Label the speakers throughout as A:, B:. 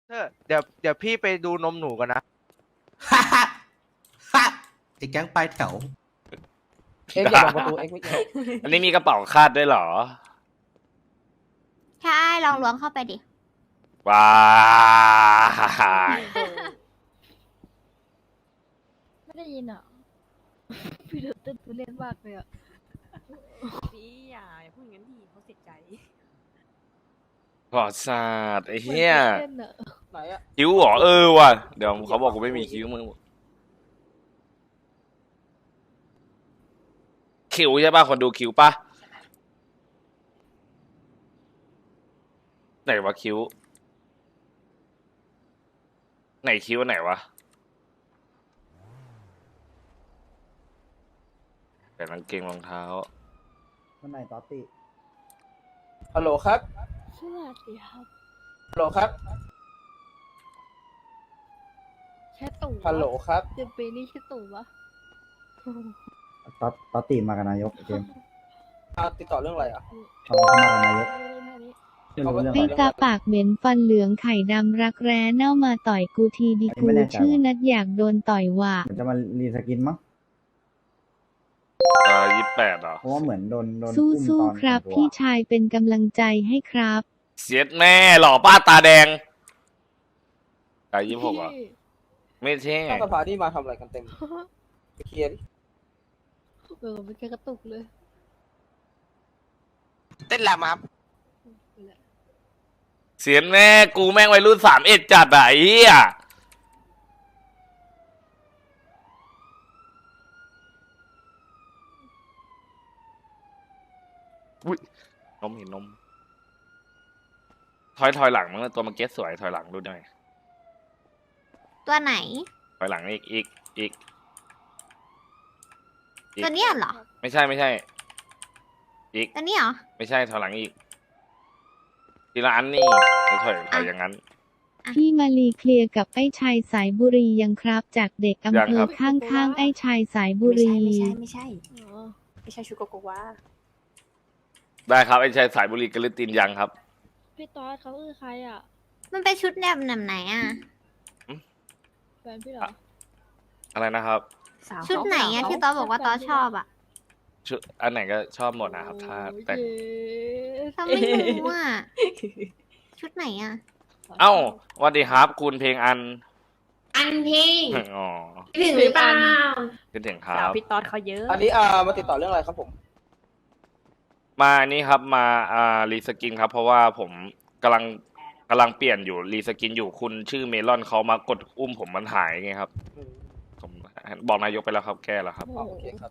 A: เดี๋ยวพี่ไปดูนมหนูกันนะ
B: ฮ่าฮ่าฮ่าไอ้แก๊งปลายแถว
C: เอ็กอย่าบอกประตูเอ็กไม่เกี่ยว
D: อันนี้มีกระเป๋าคาดด้วยเหรอ
E: ใช่ลองล้วงเข้าไปดิ
D: ว้าย
F: ไม่ได้ยินอ่ะ พี่เต้นทุเรศมากเลยอ่ะ
G: พี่อย่าพูดอย่างนั้นดิเขาเสียใจ
D: ปลอดศาสตร์ไอ้เหี้ย
F: เต้นอ่ะ
C: ไหนอะ
D: คิ้วเหรอว่ะเดี๋ยวเขาบอกกูไม่มีคิ้วมึงคิ้วใช่ป่ะคนดูคิ้วป่ะไหนวะคิ้วไหนคิ้วไหนวะแต่กางเกงรองเท้า
H: วันไหนตอติ
C: ฮัลโหลครับ
F: สวัสดีครับ
C: ฮัลโหลครับ
F: แค่ตู่
C: ฮัลโหลครับ
F: เดือนปีนี้แค่ตู่ปะ
H: ตอติมากับนายกเกม
C: ติดต่อเรื่องอะไรอ่ะ
H: เขามากับนายก
F: เรื่องนี้
H: ไม่รู้เรื่อง
C: ไม่
H: อะไร
C: ตา
I: ปากเหม็นฟันเหลืองไข่ดำรักแร้เน่ามาต่อยกูทีดี
H: อันนี้
I: กู
H: ไม่แน่ใจ
I: ชื่อนัดอยากโดนต่อยว่ะ
H: เหมือนจะมารีสกินมั้ง
D: 28เหรอ
H: เพราะว่าเหมือนโดนอุ้ม
I: สู้
H: ตอน
I: ๆครับ
H: แต่งตัว
I: พี่ชายเป็นกำลังใจให้ครับ
D: เสียดแม่หล่อป้าตาแดงตา26เหรอไม่ใช่
C: ข้างสภานี่มาทำอะไรกันเต็มไปเคลียร์ดิ
F: เออมันแค่กระตุกเลย
B: เต้นแหลมครับ
D: เสียดแม่กูแม่งวัยรุ่น31จัดอะไอ้เหี้ยอุ้ยนมเห็นนมถอยหลังมั้งตัวมันเก็ตสวยถอยหลังดูหน่อย
E: ตัวไหน
D: ถอยหลังอีก
E: ตัวเนี้ยเหรอ
D: ไม่ใช่อีก
E: ตัวนี้เหรอ
D: ไม่ใช่ถอยหลังอีกทีละอันนี่ถอยอย่างนั้น
I: พี่มาลีเคลียร์กับไอ้ชายสายบุรียังครับ จากเด็กอำ
D: ยัง
I: เภ
D: ครั
I: อบ ข้างๆไอ้ชายสายบุรี
G: ไม่ใช่
F: อ๋อ
G: ไม่ใช่ชุดโกโกวา
D: ได้ครับไอ้ชายสายบุรีกระตินยังครับ
F: พี่ตอสเขาคือใครอ่ะ
E: มันเป็นชุดแบบไหนอ่ะ
F: แฟนพี่เหรอ
D: อะไรนะครับ
G: สาว
E: ชุดไหนอ่ะที่ตอบอกว่าตอชอบอ่ะ
D: ชุดอันไหนก็ชอบหมดนะครับถ้าแต่
F: โอ้ย
E: ตอไม่รู้อ่ะ ชุดไหนอ่ะ
D: เอ้าสวัสดีครับคุณเพลงอัน
J: อันเพลง
D: อ๋อ
J: ถึงหรือเปล่า
D: คิดถึงครั
G: สาว
D: บ
G: พี่ตอดเขาเยอะ
C: อันนี้มาติดต่อเรื่องอะไรครับผม
D: มานี่ครับมารีสกินครับเพราะว่าผมกำลังเปลี่ยนอยู่รีสกินอยู่คุณชื่อเมลอนเขามากดอุ้มผมมันหายไงครับผมบอกนายกไปแล้วครับแก้แล้วครับ
C: อ๋อโอเคครับ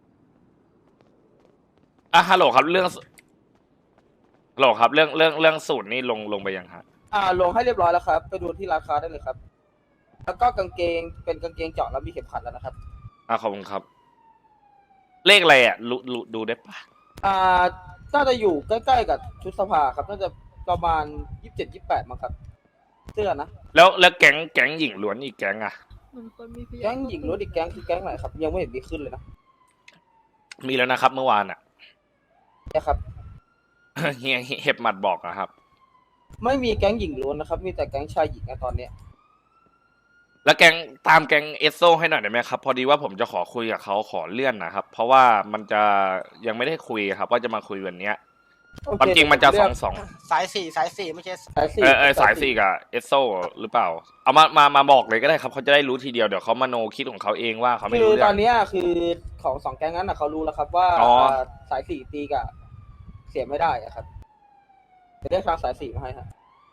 D: ฮัลโหลครับเรื่องฮัลโหลครับเรื่องสูตรนี่ลงไปยังฮะ
C: ลงให้เรียบร้อยแล้วครับ ไปดูที่ร้านค้าได้เลยครับ แล้วก็กางเกงเป็นกางเกงเจาะแล้วมีเข็มขัดแล้วนะครับ
D: ขอบคุณครับ เลขอะไรอ่ะดูได้ปะ
C: น่าจะอยู่ใกล้ๆกับชุดสภาครับ น่าจะประมาณ27-28มั้งครับเสื้อนะ
D: แล้วแก๊งหญิงล้วนอีกแก๊งอ่ะ
F: เหมือนคนมีพยา
C: แก๊งหญิงล้วนอีกแก๊งคือแก๊งไหนครับ ยังไม่เห็นมีขึ้นเลยนะ
D: มีแล้วนะครับ เมื่อวานอ่ะ
C: เนี่ยครับ
D: เฮียเห็บหมัดบอกนะครับ
C: ไม่มีแก๊งหญิงล้วนนะครับ มีแต่แก๊งชายหญิงนะตอนเนี้ย
D: แล้วตามแก๊งเอสโซให้หน่อยได้ไหมครับ พอดีว่าผมจะขอคุยกับเขาขอเลื่อนนะครับ เพราะว่ามันจะยังไม่ได้คุยครับ ว่าจะมาคุยวันเนี้ย
C: โอเค
D: ความจริงมันจะ
C: เดี๋ยวผมเรียก
D: 2
B: สายสี่ไม่ใช่
C: สายสี่
D: สายสี่กับเอสโซหรือเปล่า เอามาบอกเลยก็ได้ครับเขาจะได้รู้ทีเดียวเดี๋ยวเขามาโนคิดของเขาเองว่าเขาไม่
C: คือ
D: รู้เรื่
C: ต
D: อ
C: อง นเนี้ยคือของสองแก๊งนั้นนะเขารู้แล้วครับว่า
D: อ๋อ
C: สายสี่ตีกับเสียไม่ได้อะครับจะเรียกทางสายสี่มาให้ฮะ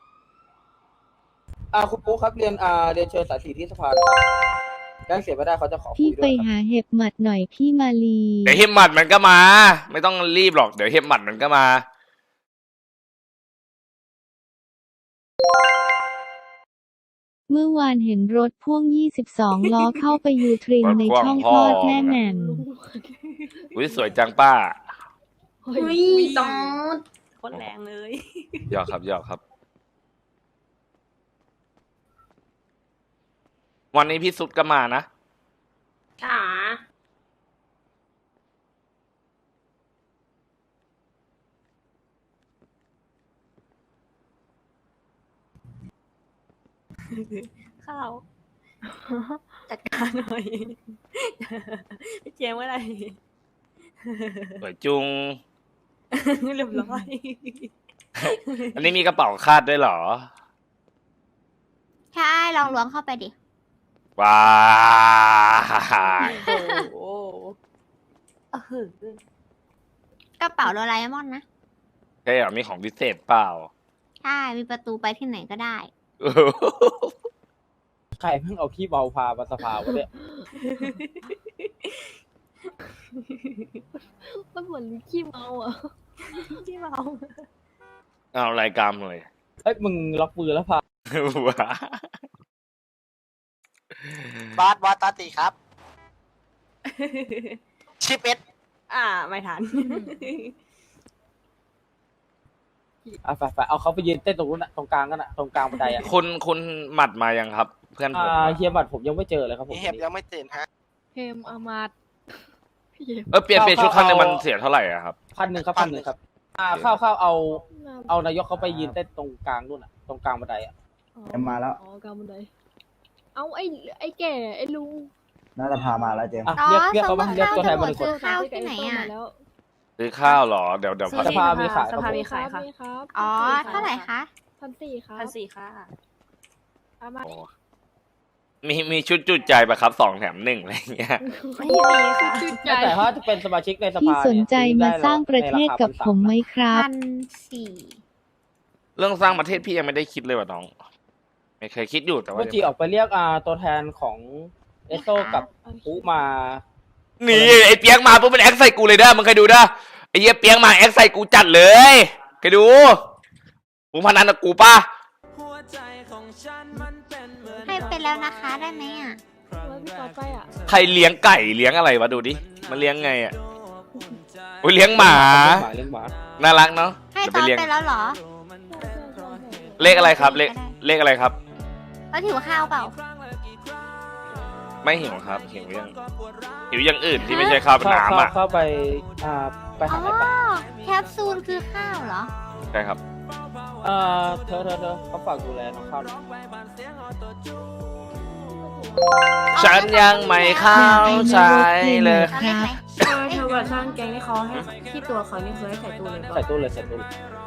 C: คุณปุ๊กครับเรียนเชิญสายสี่ที่สภาเลยครับแก๊งเสียไม่ได้เขาจะขอคุ
I: พี่
C: ย
I: ไป
C: ด้วยครับ
I: หาเห็บหมัดหน่อยพี่มาลี
D: เดี๋ยวเห็บหมัดมันก็มา ไม่ต้องรีบหรอกเดี๋ยวเห็บหมัดมันก็มา
I: เมื่อวานเห็นรถพ่วง 22 ล้อเข้าไปยูทรินในช่องคลอดแม่แหม่ม
D: อุ้ยสวยจังป้า
F: เฮ้
J: เฮ้
F: ย
J: ยตอด
G: โคตรแรงเลย
D: หยอกครับ วันนี้พี่สุดก็มานะ
J: ค่ะ
G: ข้าว จัดการหน่อย พี่เจมส์ว่าอะไร
D: สวยจุง
G: เรียบร้อย
D: อันนี้มีกระเป๋าคาดด้วยเหรอ
E: ใช่ลองล้วงเข้าไปดิ
D: ว้าย
G: โอ้โหเออก
E: ระเป๋าโดราเอมอนนะ
D: ใช่เหรอมีของพิเศษเปล่า
E: ใช่ มีประตูไปที่ไหนก็ได้
C: ใครเพิ่งเอาขี้เบาพามาสภาวะเนี่ย
F: มันเหมือนขี้เมาอ่ะ
G: ที่เมา
D: เอารายการเลย
C: เฮ้ยมึงล็อกมือแล้วพา
D: ว้า
B: บาสตาตีครับ ชิปเอ็ด
G: ไม่ทัน
C: ไปเอาเขาไปยืนเต้นตรงนู้นน่ะตรงกลางกันน่ะตรงกลางบันไดอ่ะ
D: คุณหมัดมายังครับ เพื่อนผมอะ
C: เฮียบัตรผมยังไม่เจอเลยครับผม
B: เห็บยังไม่ตื่นฮะ
F: เฮมอามาดพี่เจมส์
D: เปลี่ยนชุดครั้งหนึงมันเสียเท่าไหร่อะครับ
C: 1,000ครับ1,000ครับเข้าเอานายกเขาไปยืนเต้นตรงกลางนู่นน่ะตรงกลางบันไดอ่ะ
H: เอ็มมาแล้ว
F: อ๋อกลางบันไดเอาไอ้แก่ไอ้ลุง
H: น่าจะพามาแล้วเจมส์
C: อ่ะ
E: อ๋อ
C: เรียกเขามา
E: สมมุติ
C: เรียกตัวแทนมาหนึ่งคน
E: ซื้อข้าวที่ไหนอะ
F: แล้ว
D: ซื้อข้าวเหรอ เดี๋ยว
C: สภามีขาย
G: สภามีขายค่ะ
F: มีครับ
E: อ๋อ เท่าไหร่คะ
F: 1,400ครับ
G: 1,400ค่ะ
F: อามาด
D: โอ้มีชุดจุดใจปะครับ2 แถม 1อะไรอย่างเงี้ย
G: ไม่มีค่ะ
F: จุดใจ
C: แต่ถ้าจะเป็นสมาชิกในส
I: พี่
C: ภา
I: สนใจมาสร้างประเทศกับผมไหมครับ
E: 1,400
D: เรื่องสร้างประเทศพี่ยังไม่ได้คิดเลยว่ะน้อง ไม่เคยคิดอยู่แต่ว่า
C: เมื่อกี้ออกไปเรียกตัวแทนของเอสโซกับปุ๊มา
D: นี่ไอ้เปียกมาปุ๊บมันแอคใส่กูเลยเด้อมึงเคยดูเด้อไอ้เหี้ยเปียกมาแอคใส่กูจัดเลยเคยดูมึงพนันกับกูป่ะ
E: ให้ไปแล้วนะคะ ได้ไหมอ่ะ
F: แล้วพี่ต่อไปอ่ะ
D: ใครเลี้ยงไก่เลี้ยงอะไรวะดูดิมันเลี้ยงไงอ่ะโอ้ยเลี้ยงหมา
C: เลี้ยงหมา
D: น่ารักเนาะ
E: ให้
D: เดี๋ยว
E: ต
D: ไป
E: อน
D: เลี้ยง
E: ไปแล้วเหรอ
D: เลขอะไรครับเลขอะไรครับ
E: แล้วถือข้าวเปล่า
D: ไม่หิวครับหิวอย่างอื่นที่ไม่ใช่ข้าวเป็นน้ำอ่ะ
C: เข้าไปไป
E: อ๋
C: หา
E: อ
C: อะไรปะ
E: แคปซูลคือข้าวเหรอ
D: ใช่ครับ
C: เธอเขาฝากดูแลน้องข้าวหน่อย
D: ฉันยังไม่เข้าใจเลย
E: เอาเลขไหน
J: เธอกับช่างแกงที่เขาให้ที่ตัวเขานี่คือให้ใส่ตู้เลยป่ะ
C: ใส่ตู้เลยใส่ตู้เลย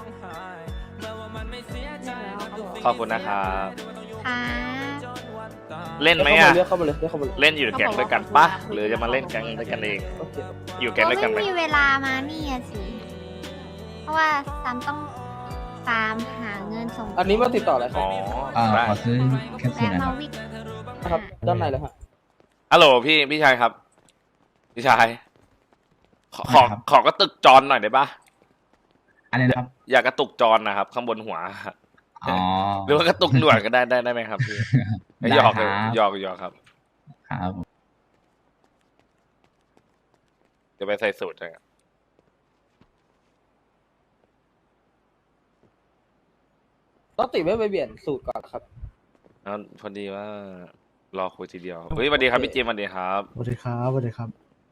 D: ขอบคุณนะครับ
E: ค่ะ
D: เล่นไหมอ่ะ
C: เรียกเข้ามาเลยเรียกเข้ามาเลย
D: เล่นอยู่แก๊งด้วยกันปะหรือจะมาเล่นแก๊งด้วยกันเอง
C: โอเค
D: อยู่แก๊ง
E: เรา
D: ด้วยกันไหม
E: ไม่มีเวลามานี่อะสิ เพราะว่าซัมต้องตามหาเงินส่ง
C: อันนี้มาติดต่ออะไรครั
D: อ๋
C: บ
D: อได้
H: ขอซื้อแคปซูล
E: และ
H: นะค
E: มา
H: รับ
E: วิก
C: ครับด้านในเลยฮะ
D: ฮัลโหลพี่ชายครับพี่ชายขอกระตุกจรหน่อยได้ปะ
H: อันนี้นะครับ
D: อยากกระตุกจรนะครับ ข้างบนหัว
H: อ๋อ
D: หรือว่ากระตุกหนวดก็ได้ไหมครับพี่
H: ได้
D: หยอก
H: ครับ
D: หยอกครับ
H: ครับ
D: จะไปใส่สูตรนะครับ
C: ต้องติไม่ไปเปลี่ยนสูตรก่อนครับ
D: แล้วพอดีว่ารอคุยทีเดียวเฮ้ยสวัสดีครับพี่เจมส์สวัสดีครับ
H: สวัสดีครับสวัสดีครับ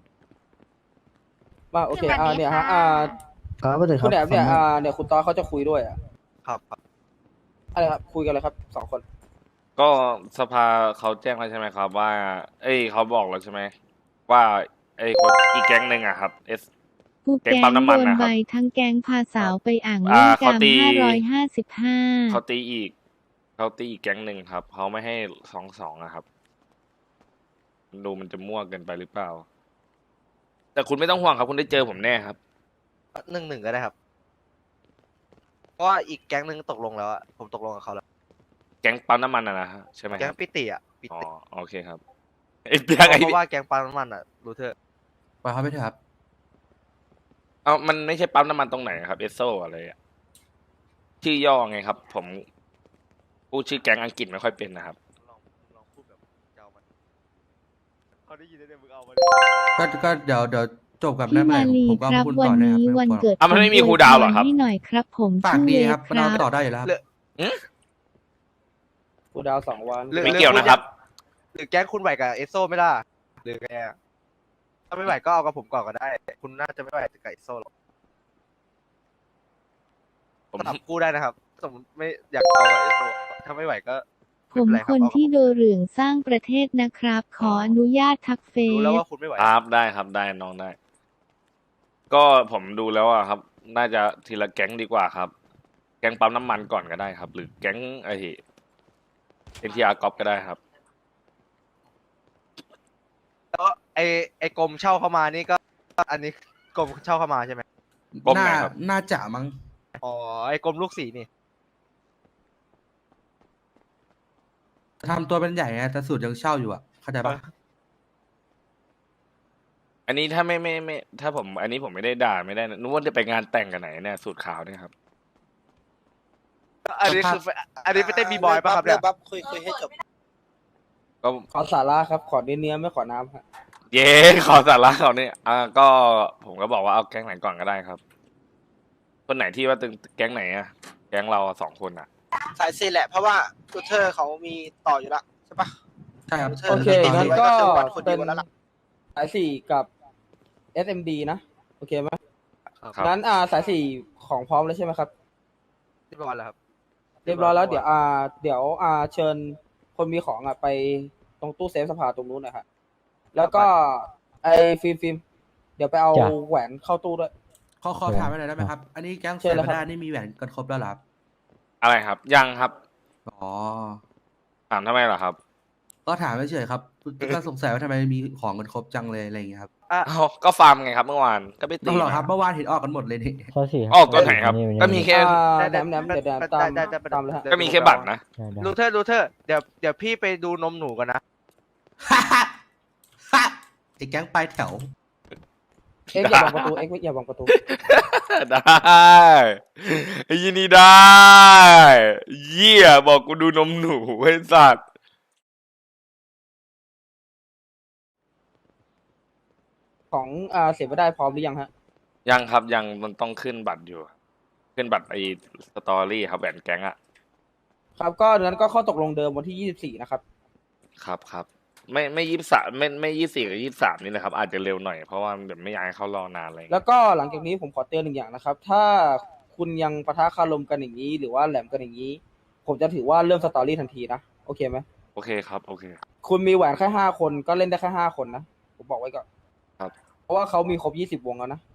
C: มาโอเค
E: สวัสดี
C: เนี่ยฮะ
E: ค่ะ
H: ครับสวัสดีครั
C: คุ
H: บ
C: ณแอบเนี่ยเนี่ยคุณตอเขาจะคุยด้วยอ่ะ
A: ครับ
C: อะไรครับคุยกันเลยครับ2 คน
D: ก็สภาเขาแจ้งแล้วใช่ไหมครับ ว่า เขาบอกแล้วใช่ไหมว่าคนอีกแก๊งหนึ่งอะครับ
I: ผู้
D: แก๊ง
I: แก๊ง
D: ปั๊มน้ำมั
I: โด
D: น
I: น
D: นะครับ
I: ใบทั้งแก๊งพาสาวไปอ่างเล่น
D: เขา
I: กาม
D: ตี
I: 555
D: เขาตีอีกแก๊งหนึ่งครับเขาไม่ให้2-2อะครับดูมันจะมั่วเกินไปหรือเปล่า แต่คุณไม่ต้องห่วงครับ คุณได้เจอผมแน่ครับ
A: 1-1ก็ได้ครับ เพราะว่าอีกแก๊งหนึ่งตกลงแล้วอะผมตกลงกับเขาแล้ว
D: แก๊งปั๊มน้ำมันนะฮะใช่ไหมค
A: แก๊ง
D: รับ
A: ปิติอะปิ
D: อ๋อ
A: ติ
D: โอเคครับไอ้เปียกไอ้
A: เพราะว่าแก๊งปั๊มน้ำมันอะรู้เถอะ
B: ไปครับไปเถอะครับ
D: เอามันไม่ใช่ปั๊มน้ำมันตรงไหนครับเอสโซอะไรอะชื่อย่อไงครับ ผมพูดชื่อแก๊งอังกฤษไม่ค่อยเป็นนะครับ
A: ลองพูดแบบเจ้ามันเขาได้ยินได้มึงเอามา
B: ก็เดี๋ยวจบกับ
I: พี่
B: ได้ไหม
I: มาลี
B: ผมก็
I: ครับ
B: พูด
I: วั
B: ต่อน ได้ครับ
I: นี้
B: ไม่
I: วัน
B: ต้องกลัว
I: เกิด
D: อ่ะมันไม่มี
I: ผ
D: ครูดาวเหรอครับ
I: ให้หน่อยครับ ผม
B: ปาก
I: ชื่อ
B: ดี
I: เว
B: ครับ
I: ฟค
B: เรา
I: รับ
B: ต่อได้อยู่แล้วครับ
C: กูดาว2 วัน
D: ไม่เกี่ยวนะครับ
A: หรือแก๊งคุณไหวกับเอสโซไม่ล่ะหรือไงอะถ้าไม่ไหวก็เอากับผมก่อนก็ได้ คุณน่าจะไม่ไหวกับเอสโซหรอก
D: ผม
A: สลับคู่ได้นะครับ สมมติไม่อยากเอากับเอสโซถ้าไม่ไหวก็
I: ผผมคนที่โดเหลืองสร้างประเทศนะครับ ขออนุญาตทักเฟ
A: รู้แล้ว
I: ซ
A: ว่าคุณไม่ไหว
D: ครับได้ครับได้น้องได้ ก็ผมดูแล้วอะครับ น่าจะทีละแก๊งดีกว่าครับ แก๊งปั๊มน้ำมันก่อนก็ได้ครับ หรือแก๊งไอ้เอ็นทีอาร์ก๊อปก็ได้ครับ
A: แล้วไอ้กรมเช่าเข้ามานี่ก็ อันนี้กรมเช่าเข้ามาใช่ไหม
D: กรมไหน
B: น่า
D: ครับ
B: น่าจะมั้ง
A: อ๋อไอ้กรมลูกศรีนี่
B: ทำตัวเป็นใหญ่ไงแต่สูตรยังเช่าอยู่อ่ะเข้าใจปะ
D: อันนี้ถ้าไม่ถ้าผม อันนี้ผมไม่ได้ด่าไม่ได้นะนึกว่าจะไปงานแต่งกันไหนเนี่ยสูตรขาวเนี่ยครับ
A: อันนี้คืออันนี้ไปเต้นบีบอยป่ะครับเนี่ย
C: บัฟคุยให้จบ
D: ก็
C: ขอสาระครับ ขอเนื้อไม่ขอน้ำครับ
D: เย้ขอสาระเขาเนี่ยก็ผมก็บอกว่าเอาแก๊งไหนก่อนก็ได้ครับ คนไหนที่ว่าตึงแก๊งไหนอะแก๊งเราสองคนอะ
C: สายซีแหละ เพราะว่าทูเทอร์เขามีต่ออยู่แล้วใช่ปะ
B: ใช่ครับ
C: โอเคงั้นก็เป็น
A: แล้วล่ะ
C: สายสี่กับ SMD นะ โอเคไหม
D: ครับ
C: งั้นสายสี่ของพร้อมแล้วใช่ไหมครับ
A: เรียบร้อยแล้วครับ
C: เรียบร้อยแล้วเดี๋ยวเชิญคนมีของไปตรงตู้เซฟสภาตรงนู้นหนะครับแล้วก็ไอ้ฟิล์มเดี๋ยวไปเอาแหวนเข้าตู้ด้วย
B: ขอถามไปหน่อยได้ไหมครับ อันนี้แก๊ง
C: เชิ
B: เซ
C: ญเลย
B: น
C: ครับ
B: ด้านี่มีแหวนกันครบแล้วเหรอครับ
D: อะไรครับ ยังครับ
B: อ๋อ
D: ถามทำไมเหรอครับ
B: ก็ถามเฉยๆครับก็สงสัยว่าทำไมมีของกันครบจังเลยอะไรอย่างเงี้ยครับ
D: เอาก็ฟาร์มไงครับเมื่อวานก็ไปตี
B: ต้องหรอครับ
D: มา
B: เมื่อวานเห็นออกกันหมดเลยนี่
D: ออกตัวไหนครับ ก็มีแค่
C: แหนมเดี๋ยวตามเลยฮะ
D: ก็มีแค่บัตรนะ
A: ลูเทอร์เดี๋ยวพี่ไปดูนมหนูก่อนนะ
B: ไอ้แก๊งปลายแถว
C: เอ็กอย่าบังประตูเอ็กอย่าบังประตู
D: ได้ไอ้ยินดีได้ เยี่ยบอกกูดูนมหนูไอ้สัตว์
C: ของเสียไม่ได้พร้อมหรือยังฮะ
D: ยังครับยังมันต้องขึ้นบัตรอยู่ ขึ้นบัตรไอ้สตอรี่ครับแหวนแก๊งอะ
C: ครับก็ดังนั้นก็ข้อตกลงเดิมวันที่24นะครับ
D: ครับไม่23ไม่24กับ23นี่นะครับ อาจจะเร็วหน่อยเพราะว่าเดี๋ยวไม่อยากให้เขารอนานอะไรอย่าง
C: แล้
D: เงี้ยว
C: ก็หลังจากนี้ผมขอเตือนหนึ่งอย่างนะครับ ถ้าคุณยังปะทะคารมกันอย่างนี้ หรือว่าแหลมกันอย่างนี้ ผมจะถือว่าเริ่มสตอรี่ทันทีนะโอเคไหม
D: โอเคครับโอเค
C: คุณมีแหวนแค่5 คนก็เล่นได้แค่5 คนนะผมบอกไว้ก่อน
D: ครับ
C: เพราะว่าเขามีครบ20 วงแล้วนะ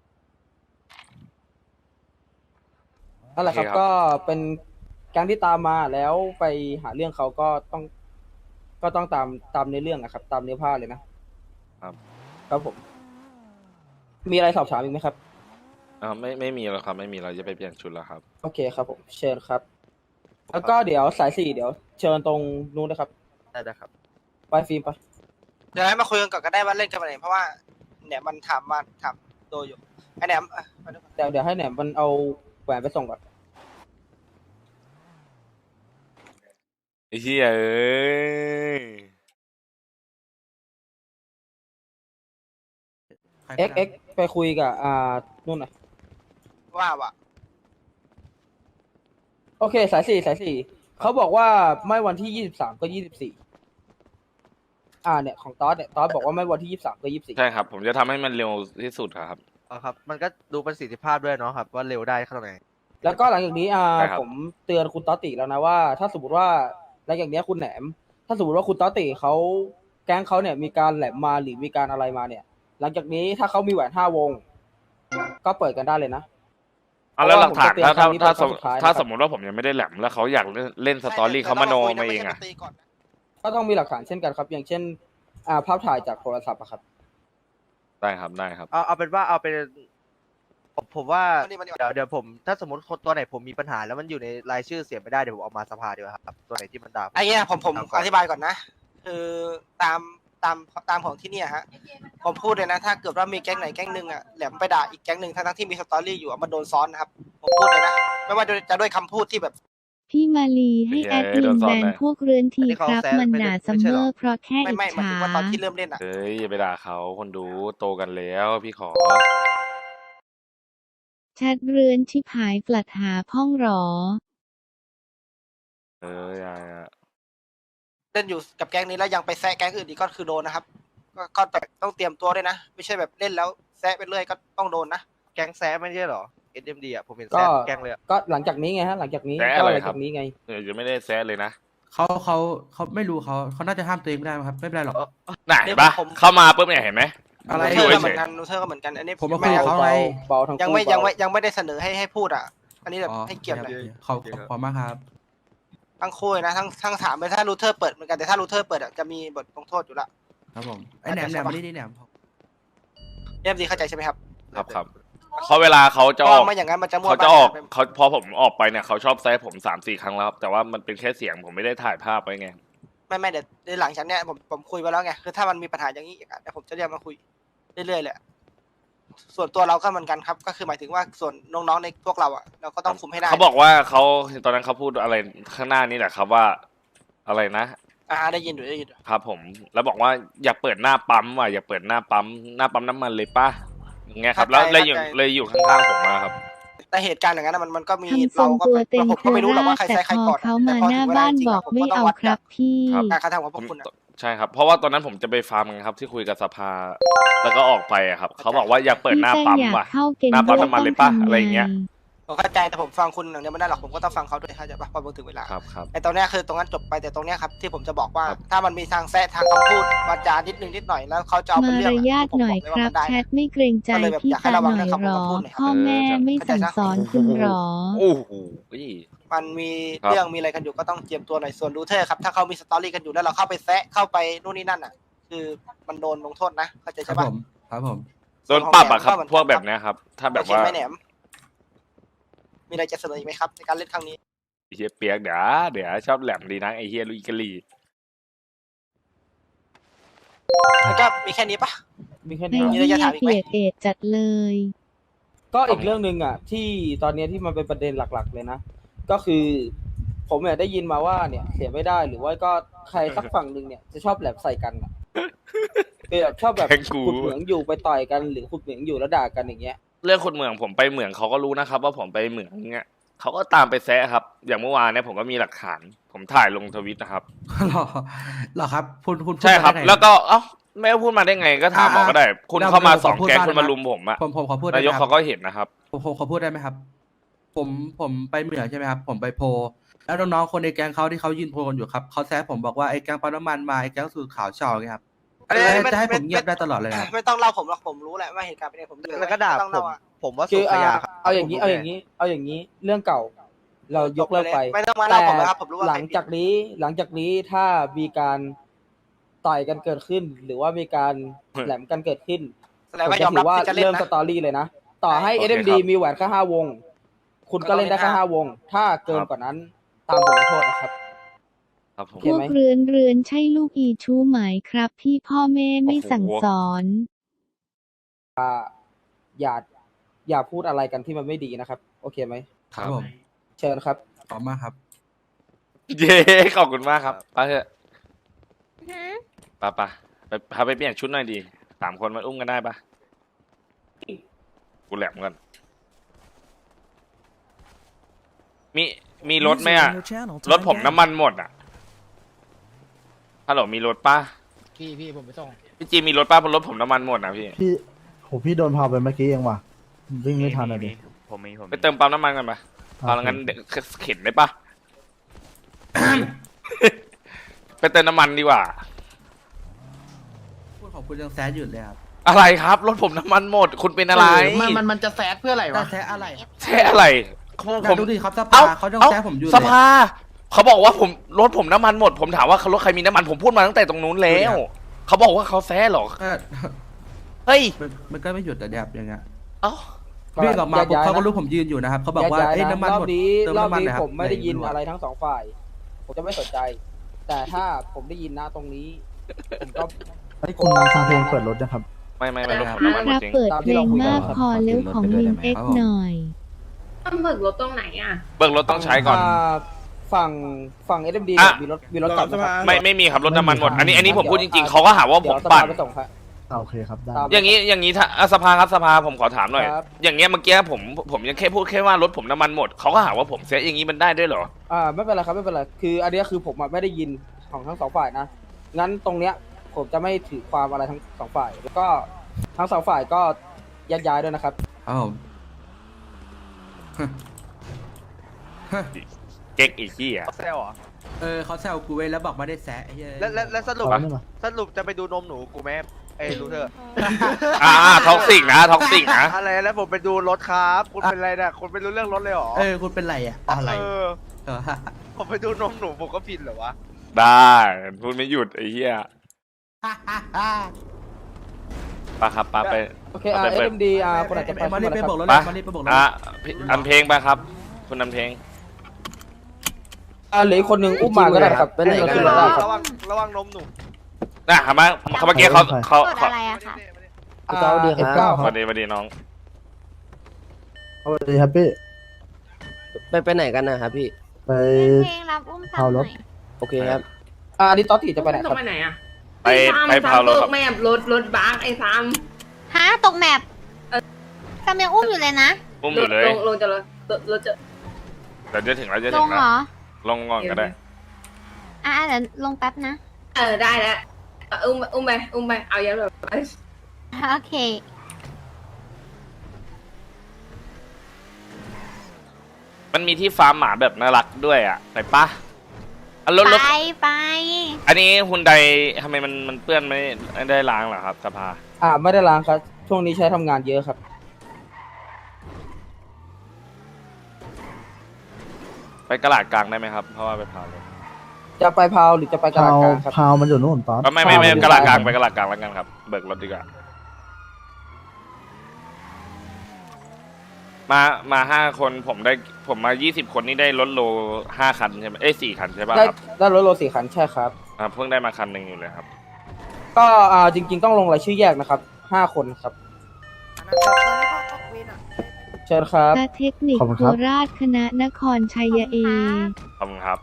C: นั่นแหละครับก็เป็นการที่ตามมาแล้วไปหาเรื่องเขาก็ต้องตามในเรื่องนะครับ ตามเนื้อผ้าเลยนะครับ ครับผม มีอะไรสอบถามอีกไหมครับ
D: ไม่มีแล้วครับไม่มีเราจะไปเปลี่ยนชุดแล้วครับ
C: โอเคครับผมเชิญครับ แล้วก็เดี๋ยวสาย4เดี๋ยวเชิญตรงนู้นนะครับ
A: ได้ครับ
C: ไปฟิล์มไป
K: เดี๋ยวให้มาคุยกันก่อนก็ได้ว่าเล่นกันไปไหนเพราะว่าเนี่ยมันถามโดยอยู่ไอแหนมมาดูก่อน
C: เดี๋ยวให้แหนมมันเอาแหวนไปส่งก่อน
D: ไอ้เหี้ยเอ้ย
B: ใคร
C: เอ็กไปคุยกับนู่นหน่อย
K: ว่า
C: โอเคสาย4เขาบอกว่าไม่วันที่23ก็24เนี่ยของตอสเนี่ยตอสบอกว่าไม่วันที่23ก็24
D: ใช่ครับ ผมจะทำให้มันเร็วที่สุดครับ
A: ครับ มันก็ดูประสิทธิภาพด้วยเนาะครับ ว่าเร็วได้ขนาดไหน
C: แล้วก็หลังจากนี้
D: ได้ครับ
C: ผมเตือนคุณตอติแล้วนะว่า ถ้าสมมติว่าหลังจากนี้คุณแหนม ถ้าสมมติว่าคุณตอติเขาแก๊งเขาเนี่ยมีการแหลมมาหรือมีการอะไรมาเนี่ย หลังจากนี้ถ้าเขามีแหวน5 วง ก็เปิดกันได้เลยนะ
D: เอาแล้วหลักฐาน
C: เพราะว่าผมจะเตือนครั้งนี้เป็นครั้งสุดท้ายนะครับ
D: ถ้าสมมติว่าผมยังไม่ได้แหลมแล้วเขาอยากเล่นสตอรี่เขามาโนมาเองอะ
C: ก็ต้องมีหลักฐานเช่นกันครับ อย่างเช่นภาพถ่ายจากโทรศัพท์อะครับ
D: ได้ครับ
A: เอาเป็นว่าเอาเป็นผมว่าเดี๋ยวผมถ้าสมมติตัวไหนผมมีปัญหาแล้วมันอยู่ในรายชื่อเสียไม่ได้เดี๋ยวผมเอามาสภาดีกว่าครับตัวไหนที่มันด่า
K: ไอ้เงี้ยผมอธิบายก่อนนะคือตามของที่เนี่ยฮะผมพูดเลยนะถ้าเกิดว่ามีแก๊งไหนแก๊งหนึ่งอะแหลมไปด่าอีกแก๊งหนึ่งทั้งที่มีสตอรี่อยู่มันโดนซ้อนนะครับผมพูดเลยนะไม่ว่าจะด้วยคำพูดที่แบบ
I: พี่มาลีให้แอดมินแบนพวกเรือนทีครับ มันหนาซัมเมอร์เพราะแค่อิจ
K: ไม่หมาย
I: ฉา
K: ถึงว่าตอนที่เริ่มเล่นอะ
D: เฮ้ยอย่าไปด่าเขาคนดูโตกันแล้วพี่ขอ
I: แชทเรือนชิบหายปลัดหาพ่องหรอ
D: อย่า
K: เล่นอยู่กับแก๊งนี้แล้วยังไปแซะแก๊งอื่นอีกก็คือโดนนะครับก็ต้องเตรียมตัวด้วยนะไม่ใช่แบบเล่นแล้วแซะไปเรื่อยก็ต้องโดนนะ
A: แก๊งแซะไม่ใช่เหรอ SMD อ่ะผมเห็น
C: ก็
A: แซะแก๊งเลยอะ
C: ก็หลังจากนี้ไงฮะหลังจากนี้
D: แซะ
C: ก็
D: อะไร
C: หลัง
D: ครั
C: จา
D: บ
C: กนี้ไง
D: จะไม่ได้แซะเลยนะ
B: เขาไม่รู้เขาน่าจะห้ามตัวเองไม่ได้มั้งครับ ไม่เป็นไรหรอก
D: ไหนปะเข้ามาปุ๊บเนี่ยเห็นไหม
B: อะไร
K: นูเทอร์ก็
D: เฉ
K: เหมื
D: ย
K: อนกันนูเทอร์ก็เหมือนกันอันนี้
B: ผมมาคุยกับเขา
C: เบา
B: ไง
C: เบาทั้งคู่
K: ยังไม่ได้เสนอให้พูดอ่ะ อันนี้แบบ
B: อ๋อ
K: ให้เกียรติหน่อย
B: ขอบคุณมากครับ
K: ทั้งคู่เลยนะทั้งสามเลยถ้ารูเทอร์เปิดเหมือนกันแต่ถ้ารูเทอร์เปิดอะจะมีบทลงโทษอยู่ละ
B: ครับผมไอ้แหนมไม่ได้แหนม
K: เรียบดีเข้าใจใช่ไหมครับ
D: ครับเขาเวลาเขาจะอ
K: ก็
D: อก
K: ไม่อย่างนั้นมันจะมั่ว
D: เขาจะออก
K: บ้าน
D: เขาพอผมออกไปเนี่ยเขาชอบแซะผม3-4 ครั้งแล้วครับแต่ว่ามันเป็นแค่เสียงผมไม่ได้ถ่ายภาพไว้ไง
K: ไม่เดี๋ยวหลังจากเนี้ยผมคุยไปแล้วไงคือถ้ามันมีปัญหาอย่างนี้อีกอะเดี๋ยวผมจะเรียกมาคุยเรื่อยๆเลยอะส่วนตัวเราก็เหมือนกันครับ ก็คือหมายถึงว่าส่วนน้องๆในพวกเราอ่ะเราก็ต้องคุมให้ได้
D: เขาบอกว่าเขาตอนนั้นเขาพูดอะไรข้างหน้านี่แหละครับว่าอะไรนะ
K: ได้ยินอยู่
D: ครับผมแล้วบอกว่าอยากเปิดหน้าปั๊มว่ะอยากเปิดหน้าปั๊มน้ำมันเลยป่ะอย่างเงี้ยครับแล้วเลยอยู่ข้างๆผมมาครับ
K: แต่เหตุการณ์อย่างนั้นอะมันก็มี
I: ทำทรงตัวเต็ง
K: ผม
I: เค
K: ก็ไม่รู้หรอก
I: รา
K: ว่าใคร
I: แต่
K: ใช้ใคร
I: พอ
K: ก่อน
I: เขา
K: แต่
I: มา
K: พอ
I: หน้า
K: ถึงเวล
I: บ้าน
K: จริงๆ
I: บอก
K: ผม
I: ไม่
K: ก็ต้
I: เอา
K: งวัด
I: ครับพี่
K: การกระทำของพวกคุณอะ
D: ใช่ครับ เพราะว่าตอนนั้นผมจะไปฟาร์มกันครับที่คุยกับสภา แล้วก็ออกไปอะครับเขาบอกว่าอยากเปิดหน้าปั๊มว่ะ
I: เข้าเกณฑ์
D: หน้าปั๊ม
I: ด้วย
D: น้ำมันเลยปะอะไรอย่างเงี้ย
K: ผมเข้าใจแต่ผมฟังคุณอย่างเดียวไม่ได้หรอกผมก็ต้องฟังเขาด้วยเข้าใจปะพอถึงเวลา
D: ครับ
K: ไอ้ตรงเนี้ยคือตรงนั้นจบไปแต่ตรงเนี้ยครับที่ผมจะบอกว่า
D: ครับ
K: ถ้ามันมีทางแซะทางคำพูดวาจานิดหน่อยแล้วเขาจะเอาเป็น
I: มา
K: เรื่อง
I: ร
K: อะ
I: ยาท
K: ผม
I: หน่
K: บ
I: อ
K: อย กเลย
I: ค
K: ว่า
I: รับ
K: มันได้
I: แชทไม่เกรงใจ
K: ก็เลยแบบ
I: พี่
K: อยากให้
I: ตา
K: ระวัง
I: หน่อย
K: เรื่อง
I: หรอ
K: คำพูดหน่อยครับ
I: พ่อแม่ไม่สั่งสอนคุณหรอ
D: โอ้โห
K: มันมี
D: ครับ
K: เรื่องมีอะไรกันอยู่ก็ต้องเตรียมตัวหน่อยส่วนรูเทอร์ครับถ้าเขามีสตอรี่กันอยู่แล้วเราเข้าไปแซะเข้าไปนู่นนี่นั่นอ่ะ คือมันโดนลงโทษนะเข้าใจ
B: ครั
K: ใช่
B: บ
K: ปะ
B: ผมครับผม
D: โดนปรับอะครับพวกแบบเนี้ยครับ ถ้าแบบ
K: โอเค
D: ว่า
K: ไหมแหนมมีอะไรจะเสนออีกไหมครับในการเล่นครั้งนี้
D: ไอ้เฮียเปียกเดี๋ยวชอบแหลมดีนะไอเฮียลุยกะลี
K: แล้วก็มีแค่นี้ปะ
C: มีแค่
I: ใน
C: นี้
K: มีอะไร
I: ที่
K: จะถามอีกไหม
I: เปียกเอ็ดจัดเลย
C: ก็อีกเรื่องหนึ่งอ่ะ ที่ตอนเนี้ยที่มันเป็นประเด็นหลักๆเลยนะ ก็คือผมเนี่ยได้ยินมาว่าเนี่ยเสียไม่ได้หรือว่าก็ใครสักฝั่งหนึ่งเนี่ยจะชอบแหลมใส่กันอะคือแบบชอบแบบ
D: แกงกู
C: ขุดเหมืองอยู่ไปต่อยกันหรือขุดเหมืองอยู่แล้วด่ากันอย่างเงี้ย
D: เรื่องคนเหมืองผมไปเหมืองเขาก็รู้นะครับ ว่าผมไปเหมืองเงี้ยเขาก็ตามไปแซะครับ อย่างเมื่อวานเนี่ยผมก็มีหลักฐาน ผมถ่ายลงทวิตนะครับ
B: หรอครับคุณพูด
D: ใช่ครับ
B: ได้ไง
D: แล้วก็เอ้าไม่ว่าพูดมาได้ไงก็ถามหมอก็ได้ คุณ
B: แล้ว
D: เข้ามา
B: ผม
D: 2
B: พูด
D: แก๊ง
B: บ้าง
D: คุณมา
B: นะ
D: ลุมผมอะ
B: ผมขอพูดได้
D: นายก
B: ไหมครั
D: เขา
B: บ
D: ก็เห็นนะครับ
B: ผมขอพูดได้ไหมครับ ผมไปเหมืองใช่ไหมครับ ผมไปโพลแล้วน้องๆคนในแก๊งเขาที่เขายืนโพลกันอยู่ครับเขาแซะผมบอกว่าไอ้แก๊งปั๊มน้ำมันมาไอ้แก๊งสูตรขาวเช่าอย่างเงี้ยครับ
K: เอ้ยไม่
B: จะให้ผม
K: ไม่
B: เงียบได้ตลอดเลยครับ
K: ไม่ต้องเล่าผมหรอกผมรู้แหละว่าเหตุการณ์เป็นยังไงผมเดือ
A: แล้วก็ด่า
K: ไม่ต้อง
A: ผ
K: เล่าม อะ
A: ผมว่า
C: คื
A: สุ
C: อ
A: ขยาครับ
C: เอาอย่างนี้เรื่องเก่า เรายกเลิกไป
K: ไม่ต้องมาเล่าผมนะครับผมรู้ว่า
C: หลังจากนี้ถ้ามีการต่อยกันเกิดขึ้น หรือว่ามีการแหลมกันเกิดขึ้น
K: แสดงว่ายอมรับ
C: ผจะถืว่า
K: ที่จะเล่น
C: เริ่ม
K: นะ
C: สตอรี่เลยนะ ต่อให้
D: โอเค
C: SMD
D: ครับ
C: มีแหวนแค่5 วง คุณก็เล่นได้แค่5 วง ถ้าเกินกว่านั้นตามบทลงโทษนะครับ
D: ครับผม
I: พวกเรือนใช่ลูกอีชู้ไหมครับ พี่พ่อแม่ไม่สั่งสอน
C: อย่าพูดอะไรกันที่มันไม่ดีนะครับ โอเคไหม
B: ครับผม
C: เชิญครับ
B: ขอบคุณมากครับ
D: เย้ขอบคุณมากครับไปเถอะไปพาไปเปลี่ยนชุดหน่อยดี3 คนมาอุ้มกันได้ปะกูแหลมกันมีรถไหมอะรถผมน้ำมันหมดอะฮัลโหลมีรถป่ะ
H: พี่ผมไปส่ง
D: พี่จีมีรถป่ะเพราะรถผมน้ำมันหมดนะพี่
H: พี่โดนพาไปเมื่อกี้เองว่ะวิ่งไม่ทันเลยดิ
D: ไปเติมปั๊มน้ำมันกันปะเอางั้นเดี๋ยวเข็นได้ปะ ไปเติมน้ำมันดีกว่า
B: พูดของคุณยังแซดอยู่เลยครับ
D: อะไรครับรถผมน้ำมันหมด คุณเป็นอะไร
H: มันจะแซดเพื่ออะไร
B: แต่
H: วะ
B: แซดอะไร
D: แช่อะไร
B: อยากดูดิครับส
D: เอ้า
B: ภาเขายัง
D: เอ้า
B: แซดผมอยู่เลย
D: สภาเขาบอกว่ารถผมน้ำมันหมด ผมถามว่ารถใครมีน้ำมันผมพูดมาตั้งแต่ตรงนู้นแล้ว เขาบอกว่าเขาแซ่หรอ
B: เออ
D: เฮ้ย
B: มันก็ไม่หยุดแต่แบบอย่างเงี้ย
D: เอ้า
B: วิ่งออกมาปุ๊บ
C: ย้ยๆ
B: เขาก็
C: นะ
B: รู้ผมยืนอยู่นะครับเขาบอกว่า
C: ย้ยๆ
B: เอ้ย
C: นะ
B: น้ำมัน
C: รอ
B: หม
C: บ
B: ด
C: นี้
B: เติม
C: รอบ
B: น้ำมัน
C: นี้
B: นะครับ
C: ผมไม่ได้ยิน
B: ห
C: อะไรทั้ง2 ฝ่าย ผมจะไม่สนใจ แต่ถ้าผมได้ยินนะตรงนี้ ผมก็
H: ไอ้คุณฟังเพลงเปิดรถนะครับ
D: ไม่รถผม
I: ค
D: น้ำมันหม
I: รั
D: ด
I: บ
D: จริง
I: เปิดเพลงมากพอเร็วของลิงเอ็กหน่อย
J: ต้องเบิกรถตรงไหนอ่ะ
D: เบิกรถต้องใช้ก่อน
C: ฝั่ง SMD
D: อ่ะ
C: มีรถกลับนะครับ
D: ไม่มีครับรถน้ำมันหมด อันนี้ผมพูดจริงๆเขาก็หาว่าผมปั่น
C: เดี๋ยวสภาไปส่งครับ
H: โอเคครับได้
C: ตาม
D: อย่างนี้ถ้าสภาครับสภาผมขอถามหน่อย
C: ครับ
D: อย่างเงี้ยเมื่อกี้ผมยังแค่พูดแค่ว่ารถผมน้ำมันหมดเขาก็หาว่าผมเสียอย่างนี้มันได้ด้วยเหรอ
C: ไม่เป็นไรครับไม่เป็นไรคืออันเนี้ยคือผมอะไม่ได้ยินของทั้ง2 ฝ่ายนะงั้นตรงเนี้ยผมจะไม่ถือความอะไรทั้ง2 ฝ่าย แล้วก็ทั้ง2 ฝ่ายก็แยกย้ายด้วยนะครับ
B: ครับผม
D: เก๊กอีกที่อ่ะ
A: แซวเหรอ
B: เขาแซวกูเว้ยแล้วบอกไม่ได้แซะไอ้เหี้ย
A: แล้วสรุป
H: เอานี่มา
A: สรุปจะไปดูนมหนูกูไหมเอ้ยรู้เถอะ
D: ท็อกซิกนะท็อกซิกนะ
A: อะไรแล้วผมไปดูรถครับคุณเป็นอะไรเนี่ยคุณไม่รู้เรื่องรถเลยเหรอ
B: คุณเป็นไรอ่ะอะไร
A: ผมไปดูนมหนูผมก็ผิดเหรอวะ
D: ได้พูดไม่หยุดไอ้เหี้ยปะครับปะไป
C: โอเค
D: ไปเปิด
C: SMD คนอาจจะไป
B: มานี่ไป
C: ครับ
B: บอกรถ
D: ปะ
B: มานี่ไปบอกรถ
D: อันเพลงไปครับ คุณอันเพลง
C: เหลืออีกคนหนึ่งอุ้มมาก็ได้ครับไปไหนกัน
A: ระ
C: ได้
A: วัง
C: ครับ
A: ระวังนมหนู
D: น่ะเมื่อกี้เขา
E: กดอะไรอะคะ
C: F9
D: สวัสดีน้อง
H: เอาดีครับพี่
C: ไปไหนกันนะครับพี่
H: ไป
E: เพลงรับอุ้ม
H: เอา
E: ซ้ำห
H: ร
E: น่
H: ถ
E: อย
C: โอเคครับอันนี้ต๊อตติจะไปไหนครับ
J: ไปไหนอ่ะ
D: ไปพาวรถครับ
J: แม่รถบัสไอ้ซ้
E: ฮะตกแมปซ้ำยังอุ้มอยู่เลยนะ
D: อุ้มอยู่เลย
J: ลงจะรถจะ
D: เดี๋ยวจะถึงแล้วจะ
E: ล
D: ถึ
E: ง
D: ง
E: เหร
D: แล้ว
E: อ
D: ลงก่อนก็ได้
E: เดี๋ยวลงแป๊บนะ
J: ได้แล้วอุ้มไปเอายันแบบ
E: โอเค
D: มันมีที่ฟาร์มหมาแบบน่ารักด้วยอ่ะไปปะรถ
E: ไป
D: อันนี้ฮุนไดทำไมมันเปื้อนไม่ได้ล้างเหรอครับสภา
C: ไม่ได้ล้างครับช่วงนี้ใช้ทำงานเยอะครับ
D: ไปกระดาษกลางได้ไหมครับ เพราะว่าไปพาวรถ
C: จะไปพาวหรือจะไปกระดาษ
H: พาว
C: กลางครับ
H: พาวมันอยู่นู่นตอน
D: ไม่กระดาษกลางไปกระดาษกลางแล้วกันครับ เบิกรถดีกว่ามา5 คนผมมา20 คนนี่ได้รถโล5 คันใช่ไหม4 คันใช่ป่ะครับ
C: ได้รถโร4 คันใช่ครับ
D: เพิ่งได้มาคันหนึ่งอยู่เลยครับ
C: ก็จริงๆต้องลงรายชื่อแยกนะครับ5 คนครับเชิญครับ
I: ตาเทคนิค
H: ขอบคุณ
I: โค
H: ครับ
I: ราชคณะนครชัยเอ
D: ขอบคุณครับ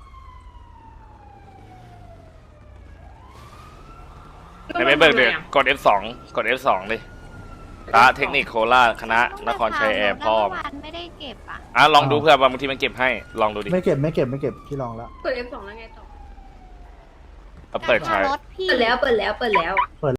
D: ไม่เบิกเดี๋ยวกด F2 กด F2 ดิเทคนิคโคราชคณะนครชัยแอร์พร้อม
E: ไม่ได้เก็บอ่ะ
D: ลองดูเพื่อบางทีมันเก็บให้ลองดูดิ
H: ไม่เก็บที่ลองแล้ว
J: เปิด F2 แล้วไงต่อ
D: เปิดใช้
E: รถพี่
J: เปิดแล้ว